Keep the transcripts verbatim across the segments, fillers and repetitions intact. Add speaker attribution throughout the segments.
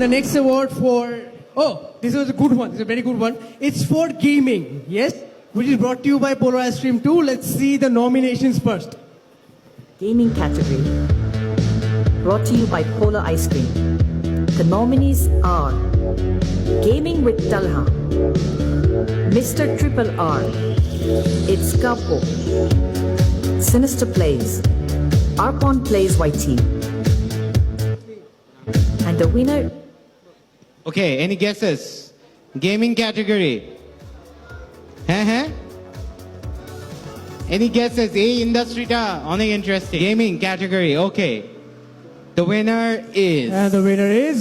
Speaker 1: The next award for, oh, this was a good one. This is a very good one. It's for gaming, yes, which is brought to you by Polar Ice Cream two. Let's see the nominations first.
Speaker 2: Gaming category. Brought to you by Polar Ice Cream. The nominees are Gaming with Talha, Mister Triple R, It's Kapo, Sinister Plays, Arpon Plays Y T. And the winner,
Speaker 3: Okay, any guesses? Gaming category. হ্যাঁ হ্যাঁ Any guesses? এই ইন্ডাস্ট্রিটা অনেক interesting gaming category okay The winner is
Speaker 1: And the winner is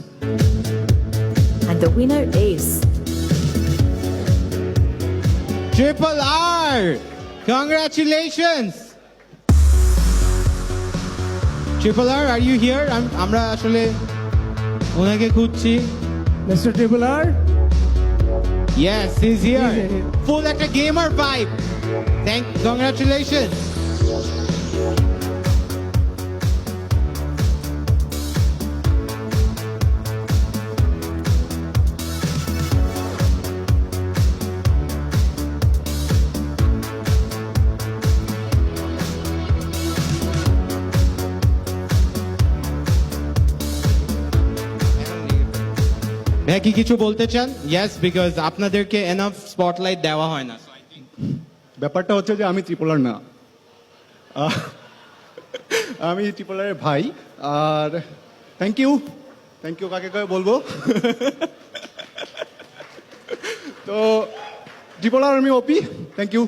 Speaker 2: and the winner is
Speaker 3: Triple R. Congratulations. Triple R, are you here? I'm আমরা আসলে ওনাকে খুঁজছি
Speaker 1: Mister Triple R.
Speaker 3: Yes, he's here.
Speaker 1: He's here.
Speaker 3: Full একটা gamer vibe. Thank congratulations. ভাই কি কিছু বলতে চান ইয়েস বিকজ আপনাদেরকে এনাফ স্পটলাইট দেওয়া হয় না
Speaker 4: ব্যাপারটা হচ্ছে যে আমি ত্রিপোলার না আহ, আমি ত্রিপোলারের ভাই আর থ্যাংক ইউ থ্যাংক ইউ কাকে কাকে বলবো তো ত্রিপোলার আমি OP thank you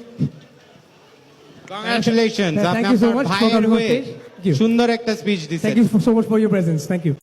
Speaker 3: congratulations
Speaker 1: Thank
Speaker 3: আপনি
Speaker 1: you so
Speaker 3: আপনার
Speaker 1: much for
Speaker 3: ভাইয়ের
Speaker 1: coming on
Speaker 3: হয়ে
Speaker 1: stage. Thank you.
Speaker 3: সুন্দর একটা স্পিচ দিছেন
Speaker 1: Thank you so much for your presence. Thank you.